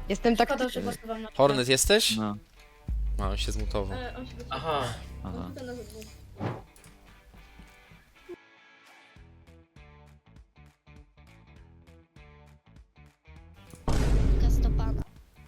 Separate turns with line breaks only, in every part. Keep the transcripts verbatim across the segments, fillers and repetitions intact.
Jestem tak...
Szkoda, że głosowałam na
Hornet jesteś?
No.
A, on się zmutował.
E, on się wycofał.
Aha.
Aha.
On tutaj na zewnątrz.
Kastopada.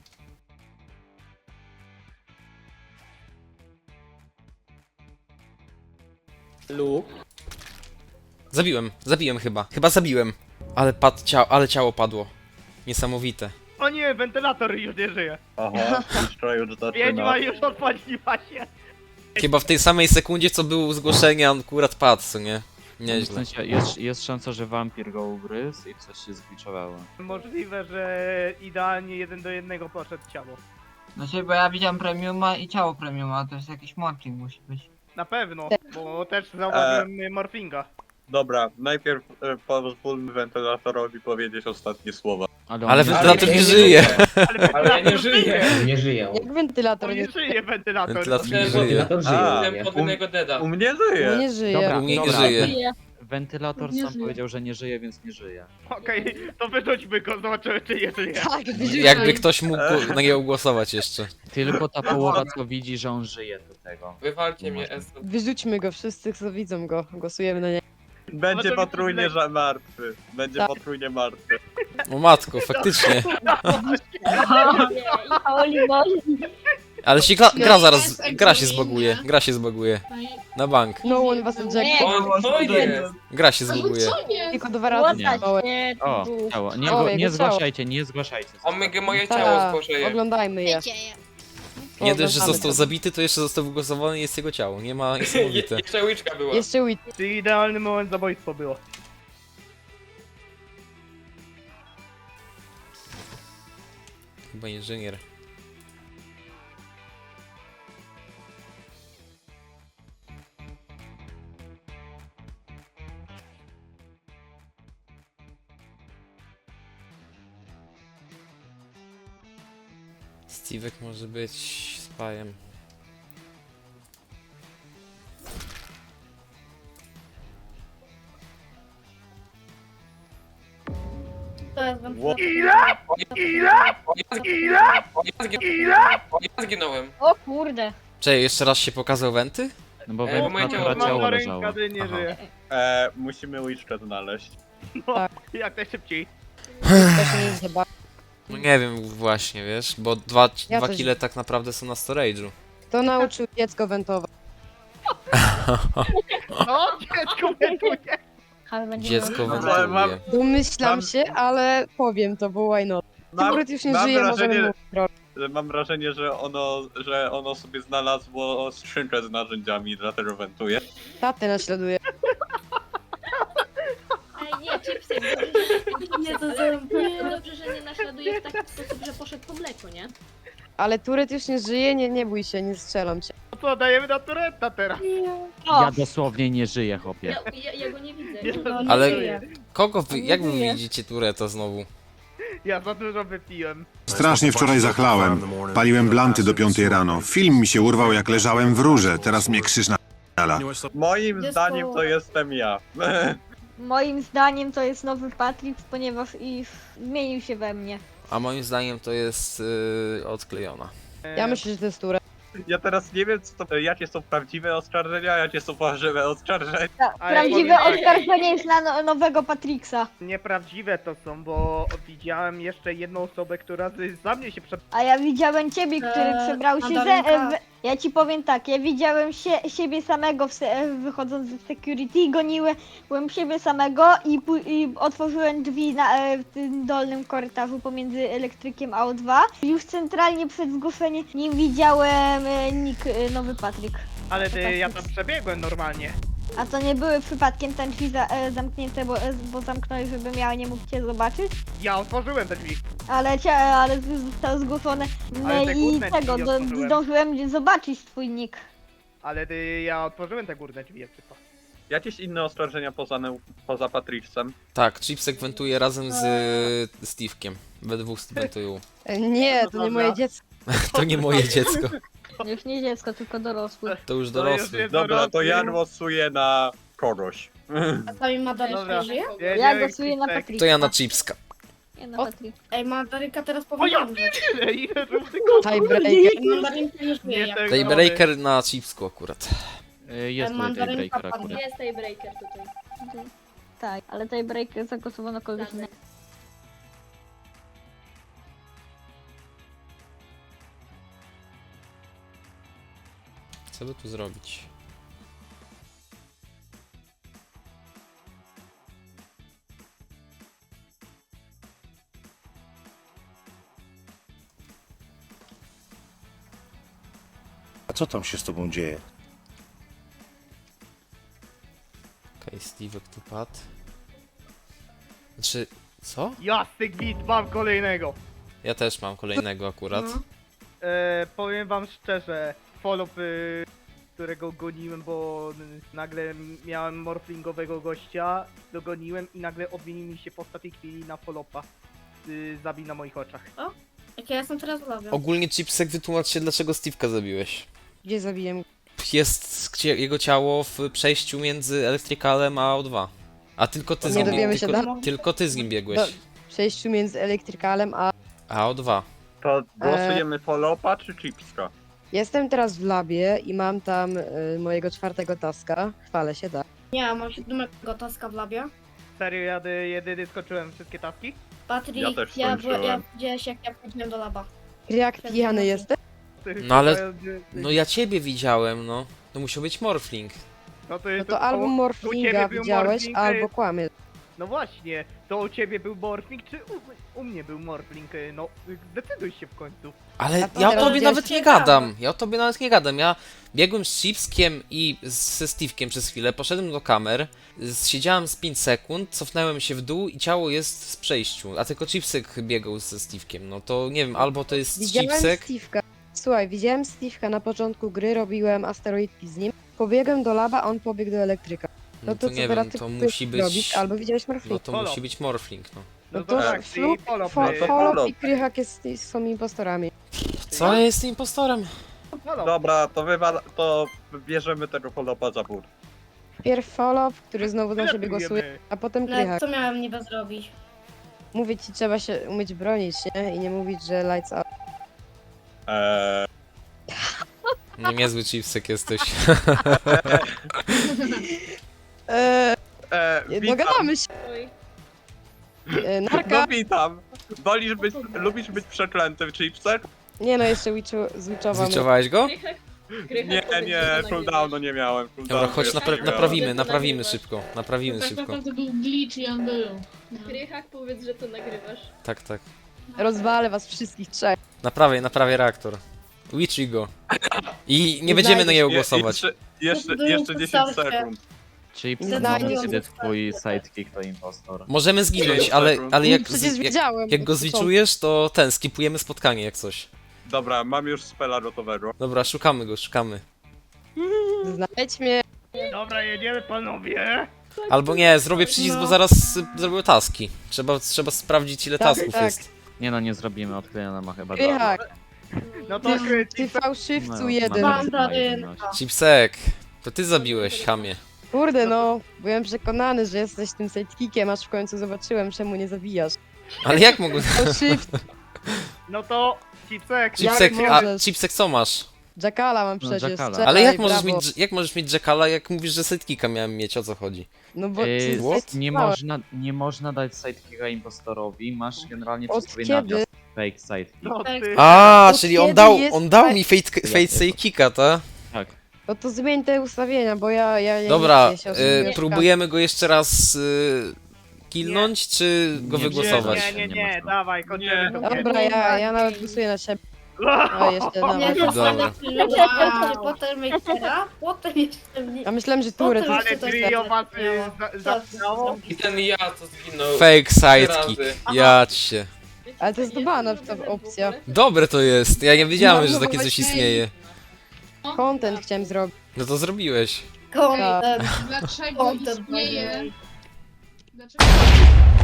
Luke.
Zabiłem, zabiłem chyba. Chyba zabiłem. Ale padł ciało, ale ciało padło. Niesamowite.
O nie, wentylator już nie żyje.
Aha, jeszcze już zaczyna.
Wiedźma już odpaliła się.
Chyba w tej samej sekundzie, co było zgłoszenie, on akurat padł, co nie?
W
Nieźle.
sensie jest, jest szansa, że wampir go ugryzł i coś się zgliczowało.
Możliwe, że idealnie jeden do jednego poszedł ciało.
Znaczy, bo ja widziałem premiuma i ciało premiuma, to jest jakiś morphing musi być.
Na pewno, bo też zauważyłem e... morfinga.
Dobra, najpierw e, pozwólmy wentylatorowi powiedzieć ostatnie słowa.
Ale,
Ale
on nie-
wentylator nie żyje.
Ale
Ale ja nie żyję.
Nie żyję.
Jak wentylator
On
nie
nie żyje wentylator.
Wentylator nie
Chciałem
żyje.
Wentylator
A,
żyje.
Chciałem podwójnego deda.
U mnie
u
żyje.
nie żyje.
Dobra,
U mnie nie
dobra.
żyje.
Wentylator
Nie
sam
żyje.
powiedział, że nie żyje, więc nie żyje.
Okej, to wyrzućmy go, zobaczymy czy nie żyje.
Tak, wyrzucaj.
Jakby ktoś mógł go- na niego głosować jeszcze.
Tylko ta połowa, co widzi, że on żyje do tego.
Wywalcie
Nie
mnie,
można.
Esto.
Wyrzućmy go, wszyscy co widzą go, głosujemy na niego.
Będzie
to
potrójnie
mi-
że martwy. Będzie
Tak.
potrójnie martwy.
O matko, faktycznie.
Oli Moli.
Ale się gra, gra zaraz, gra się zbaguje, gra się zbaguje. Na bank.
No one was eject.
O, co jest?
Gra się zbaguje.
Tylko dwa razy
Nie.
małe.
O, ciało. Nie,
O,
go,
jego
nie
ciało.
zgłaszajcie, nie zgłaszajcie.
Omega moje ciało
Tak,
stworzyje.
oglądajmy je.
Dzieje.
Nie dość, że
Oglądamy
został
to.
zabity, to jeszcze został wygłosowany i jest jego ciało. Nie ma
Je,
niesamowite.
jeszcze łyczka była.
Jeszcze Wit.
Czy idealny moment zabójstwo było.
Chyba inżynier. Steve'ek może być spajem.
To jest wentylator.
Ile? Ile? Ile? Ile?
Ja zginąłem.
O kurde.
Czekaj, jeszcze raz się pokazał Wenty?
No bo
Ej, bo moje
wentylatora
ciało-
ciało
Mam
leżało.
ręka, nie
Aha.
żyje.
E, musimy Witchkę znaleźć.
No,
Tak.
jak najszybciej.
Też nie chyba.
No nie wiem właśnie, wiesz, bo dwa,
Ja
dwa
też-
kile tak naprawdę są na storage'u.
Kto nauczył dziecko wentować?
No, dziecko wentuje.
Ale będzie
Dziecko
miał-
Ale mam-
wentyluje.
Domyślam
Mam-
się, ale powiem to, bo why not?
Mam,
Akurat już nie
mam
żyje,
wrażenie,
możemy mówić.
że mam wrażenie, że ono, że ono sobie znalazło skrzynkę z narzędziami i dlatego wentuje.
Tatę naśladuje.
Ej, nie, chipsy. Nie, to dobrze, że nie naśladuje w taki sposób, że poszedł po mleko, nie?
Ale Turet już nie żyje, nie, nie bój się, nie strzelam cię.
No to dajemy na Turetta teraz.
O,
Ja dosłownie nie żyję, chłopie.
ja, ja, ja go nie widzę.
Nie,
No, nie
Ale-
żyje.
Kogo wy, jak wy
żyje.
widzicie Tureta znowu?
Ja za dużo wypiłem.
Strasznie wczoraj zachlałem. Paliłem blanty do piątej rano. Film mi się urwał jak leżałem w rurze. Teraz mnie krzyż na...
Moim
Jest
zdaniem
to-
to jestem ja.
Moim zdaniem to jest nowy Patrick, ponieważ i zmienił się we mnie.
A moim zdaniem to jest yy, odklejona.
Ja myślę, że to jest Turet.
Ja teraz nie wiem, co to, jakie są prawdziwe oskarżenia, a jakie są fałszywe oskarżenia.
Ale
Prawdziwe
powiem tak.
oskarżenie jest na no, nowego Patricksa.
Nieprawdziwe to są, bo widziałem jeszcze jedną osobę, która z- za mnie się przed...
A ja widziałem ciebie, który
Eee,
przebrał się ze...
Mandarynka.
e, w- Ja ci powiem tak, ja widziałem się, siebie samego w se, e, wychodząc z security, goniłem byłem siebie samego i, pu- i otworzyłem drzwi na, e, w tym dolnym korytarzu pomiędzy elektrykiem a O dwa. Już centralnie przed zgłoszeniem nie widziałem e, nick e, nowy Patryk.
Ale ty, ja tam przebiegłem normalnie.
A to nie były przypadkiem te drzwi za, e, zamknięte, bo, e, bo zamknąłeś, żebym ja nie mógł cię zobaczyć?
Ja otworzyłem te drzwi.
Ale, cia, ale z- zostało zgłoszone no
Ale te
i
górne
tego,
drzwi
do,
otworzyłem.
zdążyłem zobaczyć twój nick.
Ale ty, ja otworzyłem te górne drzwi, jak tylko.
Jakieś inne oskarżenia poza, neu- poza Patricksem?
Tak, Chipsek wentuje razem z yy, Steve'kiem. We dwóch wentują.
E, Nie,
No
to nie
dobra.
moje dziecko.
To nie moje dziecko.
Już nie dziecko, tylko dorosły.
To już
To już
dorosły.
jest
Dobra, to ja
dorosły.
głosuję na kogoś.
A sami Madalena
Dobra.
żyje?
Jedziemy,
Ja głosuję na
Krzysztek.
Patryka.
To ja na Chipska.
Nie no,
O-
Patryk.
Ej, mandarynka teraz
O
powinna
ja
umrzeć.
tyle, ile żółtych
Tiebreaker.
Mandarynka nie żyje.
Nie
jak-
tego.
Tiebreaker na chipsku akurat.
Y, Jest tutaj
mandarynka
tiebreaker
padnie.
akurat.
Jest tiebreaker tutaj.
Tak, ale tej break zagłosował na kogoś innego.
Co by tu zrobić?
A co tam się z tobą dzieje?
Okej, Steve'ek tu padł. Znaczy, co?
Jasny gwint, mam kolejnego.
Ja też mam kolejnego akurat.
E, powiem wam szczerze, follow, y, którego goniłem, bo y, nagle miałem morflingowego gościa, dogoniłem i nagle odmienił mi się po ostatniej chwili na follopa. Y, zabił na moich oczach.
Jak ja jestem teraz w labie.
Ogólnie Chipsek, wytłumacz się, dlaczego Steve'ka zabiłeś.
Gdzie zabiłem?
Jest cie- jego ciało w przejściu między Electricalem a O dwa. A tylko ty z
Nie
nim,
dowiemy się
tylko,
dalej?
tylko ty z nim biegłeś.
Do- W przejściu między elektrykalem a...
A O dwa.
To głosujemy Folopa czy Chipska?
Jestem teraz w labie i mam tam y, mojego czwartego taska. Chwalę się, tak.
Nie, mam siódmego taska w labie.
Serio, ja dy- jedyny skończyłem wszystkie taski?
Patryk,
Ja też
ja,
skończyłem.
ja widziałeś jak ja wchodziłem do laba.
Jak pijany jesteś?
No ale- No ja ciebie widziałem, no. To musiał być Morphling.
No to,
No
to,
to albo
u ciebie
Morflinga
był
widziałeś,
Morfling,
albo
y,
kłamie.
No właśnie, to u ciebie był morfling, czy u, u mnie był morfling? Y, No, y, zdecyduj się w końcu.
Ale
A to
ja o
teraz
tobie
widziałeś
nawet nie
Steve'a?
gadam. Ja o tobie nawet nie gadam. Ja biegłem z Chipskiem i z- ze Steve'kiem przez chwilę, poszedłem do kamer, z- siedziałem z pięć sekund, cofnąłem się w dół i ciało jest w przejściu. A tylko Chipsek biegał ze Steve'kiem. No to nie wiem, albo to jest
Widziałem
Chipsek.
Steve'ka. Słuchaj, widziałem Steve'ka na początku gry, robiłem asteroidki z nim. Pobiegłem do laba, on pobiegł do elektryka.
No
No
to
to co
nie
teraz
wiem,
ty
to
chcesz
musi być.
robić? Albo widziałeś
No
Morfling.
to
Follow.
musi być Morphling, no.
No,
No
to
to
tak,
Fluk,
czyli follow,
Fo-
y,
to
Folop
follow.
i Krychak jest, są impostorami.
Co ja jestem impostorem?
follow.
Dobra, to wywala, to bierzemy tego Folopa za bór.
Pierw Folop, który znowu na siebie
Wylatujemy.
głosuje, a potem
No,
Krychak.
co miałem niby zrobić?
Mówię ci, trzeba się umieć bronić, nie? I nie mówić, że lights out.
Eee,
No niezły Chipsek jesteś.
Eee,
eee, witam,
dogadamy się.
Oj.
Eee,
no
narka.
witam. Wolisz być, lubisz być przeklęty w Chipsek?
Nie no, jeszcze witchu- zwitchowam.
Zliczowałeś go?
Krychak, Krychak
Nie,
powiedz,
nie,
że to
cooldownu
nagrywasz.
nie miałem.
Dobra,
cooldownu
chodź,
jeszcze
napra-
nie miałem.
naprawimy,
To
naprawimy
nagrywasz.
szybko. Naprawimy szybko.
był glitch i on był.
Krychak, powiedz, że to nagrywasz.
Tak, tak.
Rozwalę was wszystkich trzech.
Naprawię, naprawię reaktor. Witchy go. I nie
Nie
będziemy na
znajdziesz
niego
Je-
głosować.
Jeszcze, jeszcze,
Był
jeszcze dziesięć
podstawkę.
sekund.
Chips,
Nie
no,
znajdziesz.
kiedy twój sidekick to impostor.
Możemy zginąć, ale, ale jak,
Przecież
z, jak,
wiedziałem.
jak go
od początku.
zliczujesz, to ten, skipujemy spotkanie jak coś.
Dobra, mam już spela gotowego.
Dobra, szukamy go, szukamy.
Znajdź mnie.
Dobra, jedziemy panowie.
Albo nie, zrobię przycisk, bo zaraz y, zrobię taski. Trzeba, trzeba sprawdzić ile
Tak,
tasków
tak.
jest.
Nie no, nie zrobimy, odklejona ma chyba
Krychak,
No to kry,
ty fałszywcu
No,
jeden.
Mam
ma
prawie-
jedność.
Chipsek, to ty zabiłeś, chamie.
Kurde no, byłem przekonany, że jesteś tym sidekickiem, aż w końcu zobaczyłem, czemu nie zabijasz.
Ale jak mogłem...
Fałszywcu.
No to Chipsek.
Chipsek,
Jak
a
możesz?
Chipsek co masz?
Jackala mam
No,
przecież.
Jackala.
czekaj,
Ale jak możesz,
brawo.
mieć, jak możesz mieć Jackala, jak mówisz, że sidekicka miałem mieć, o co chodzi?
No bo
Yy,
ty
what?
nie,
zdecydowałeś.
można, nie można dać sidekicka impostorowi, masz generalnie
Od
przez swój
kiedy?
nawias fake sidekick.
No ty.
A,
Od
czyli on
kiedy
dał,
jest
on dał
tak-
mi fake, fake sidekicka, tak?
Tak.
No to zmień te ustawienia, bo ja... ja, ja
Dobra,
nie chcę się
y,
osobiście
próbujemy go jeszcze raz y, killnąć, czy go
Nie,
wygłosować?
Nie, nie, nie,
Nie
nie,
można.
dawaj, kończymy
Nie.
to.
Dobra, ja, ja nawet głosuję na siebie. A jeszcze,
Nie,
dawaj.
to
Dobra.
wow. Potem Mejstera, potem jeszcze mnie.
Ja myślałem, że Turet
Potem-
Ale trio was y, za- zaczynało.
I ten ja co zginął.
Fake
trzy
sidekick,
razy.
ja ci się.
Ale to jest dbana ta opcja.
Dobre to jest, ja nie wiedziałem,
No,
że
no
takie coś
właśnie.
istnieje.
Content chciałem zrobić.
No to zrobiłeś.
Content. Dlaczego istnieje?
Dlaczego